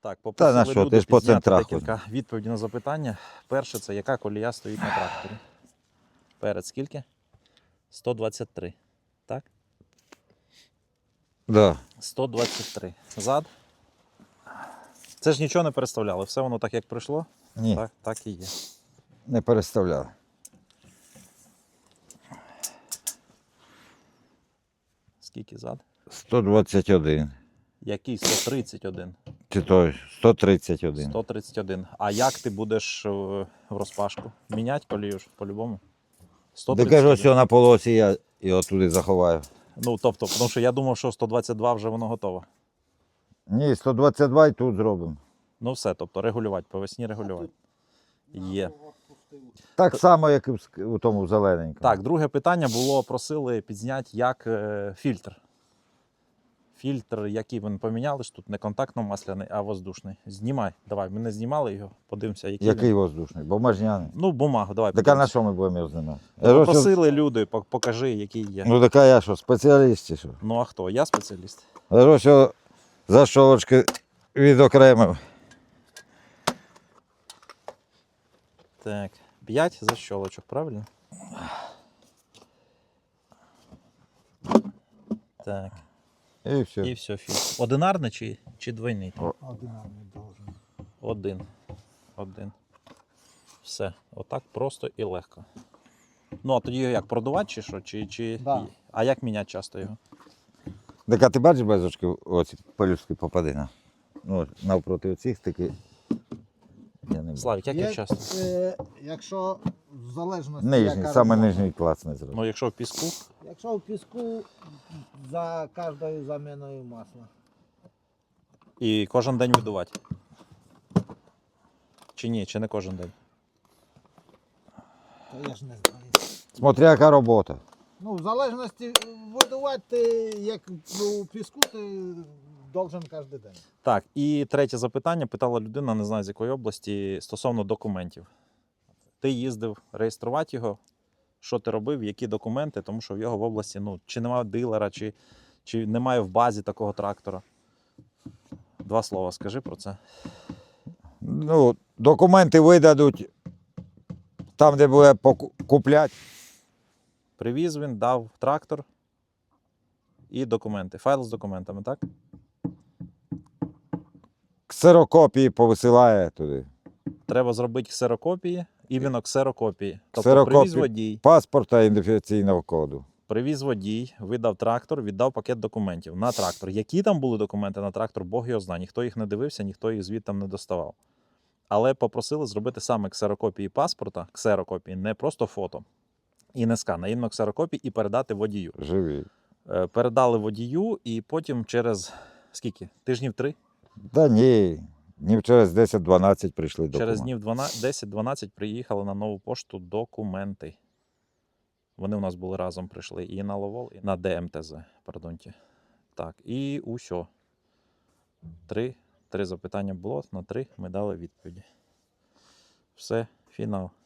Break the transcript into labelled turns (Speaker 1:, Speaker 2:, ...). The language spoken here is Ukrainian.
Speaker 1: Так,
Speaker 2: Та
Speaker 1: попросили
Speaker 2: на що,
Speaker 1: люди
Speaker 2: ти ж по
Speaker 1: підзняти
Speaker 2: центрах
Speaker 1: декілька відповідей на запитання. Перше, це яка колія стоїть на тракторі? Перед скільки? 123. Так?
Speaker 2: Да.
Speaker 1: 123. Зад? Це ж нічого не переставляли. Все воно так, як прийшло,
Speaker 2: Ні,
Speaker 1: так і є.
Speaker 2: не переставляв.
Speaker 1: Скільки зад?
Speaker 2: 121.
Speaker 1: Який 131?
Speaker 2: Чи то 131.
Speaker 1: 131. А як ти будеш в розпашку? Міняти колію ж по-любому?
Speaker 2: Де кажу,
Speaker 1: 131.
Speaker 2: що на полосі я його туди заховаю.
Speaker 1: Ну, тобто, тому що я думав, що 122 вже воно готове.
Speaker 2: Ні, 122 і тут зробимо.
Speaker 1: Ну все, тобто регулювати, по весні регулювати. Є.
Speaker 2: Так само, як і у тому зелененькому.
Speaker 1: Так, друге питання було, просили підзняти, як фільтр. Фільтр, який ви поміняли, ж тут не контактно-масляний, а воздушний. Знімай, давай, ми не знімали його, подивимося, який
Speaker 2: Який
Speaker 1: він.
Speaker 2: воздушний? Бумажняний.
Speaker 1: Ну, бумагу, давай.
Speaker 2: Так а на
Speaker 1: подивимося.
Speaker 2: що ми будемо його знімати?
Speaker 1: Ну, просили люди, покажи, який є.
Speaker 2: Ну так а я що, спеціаліст чи що?
Speaker 1: Ну а хто? Я спеціаліст.
Speaker 2: Кажу, що защолочки відокремив.
Speaker 1: Так, 5 защолочок, правильно? Так,
Speaker 2: І все.
Speaker 1: і все, фільтр. Одинарний чи двойний?
Speaker 3: Одинарний должен.
Speaker 1: Один. Все, отак просто і легко. Ну, а тоді його як, продувати чи що?
Speaker 3: Да.
Speaker 1: А як міняти часто його?
Speaker 2: Так а ти бачиш безочки, оці пелюстки попадина? Ну, от, навпроти оцих таки. Я не бачу.
Speaker 1: Славік, як їх
Speaker 3: Є,
Speaker 1: часто?
Speaker 3: якщо в залежності.
Speaker 2: Нижній,
Speaker 3: яка
Speaker 2: саме
Speaker 3: робота.
Speaker 2: нижній клац не зробив.
Speaker 1: Ну, якщо в піску,
Speaker 3: Якщо в піску за кожною заміною масла.
Speaker 1: і кожен день видувати. Чи ні, чи не кожен день?
Speaker 3: То я ж не знаю.
Speaker 2: Смотря яка робота.
Speaker 3: Ну, в залежності видувати, ти, як у піску, ти должен кожен день.
Speaker 1: Так, і третє запитання питала людина, не знаю з якої області, стосовно документів. Ти їздив реєструвати його, що ти робив, які документи, тому що в його в області, ну, чи немає дилера, чи немає в базі такого трактора. 2 слова скажи про це.
Speaker 2: Ну, документи видадуть там, де буде купляти.
Speaker 1: Привіз він, дав трактор і документи. Файл з документами, так?
Speaker 2: Ксерокопії повисилає туди.
Speaker 1: Треба зробити ксерокопії, іменно ксерокопії. Тобто
Speaker 2: Ксерокопії.
Speaker 1: привіз водій.
Speaker 2: Паспорта і ідентифікаційного коду.
Speaker 1: Привіз водій, видав трактор, віддав пакет документів на трактор. Які там були документи на трактор, Бог його знає. Ніхто їх не дивився, ніхто їх звідти не доставав. Але попросили зробити саме ксерокопії паспорта, ксерокопії, не просто фото і не скан, а іменно ксерокопії і передати водію.
Speaker 2: Живі.
Speaker 1: Передали водію і потім через скільки? Тижнів 3?
Speaker 2: Та ні. Днів через 10-12 прийшли документи.
Speaker 1: Через днів 10-12 приїхали на нову пошту документи. Вони у нас були разом, прийшли і на Ловол, і на ДМТЗ, пардонте. Так, і усьо. 3 запитання було, на 3 ми дали відповіді. Все, фінал.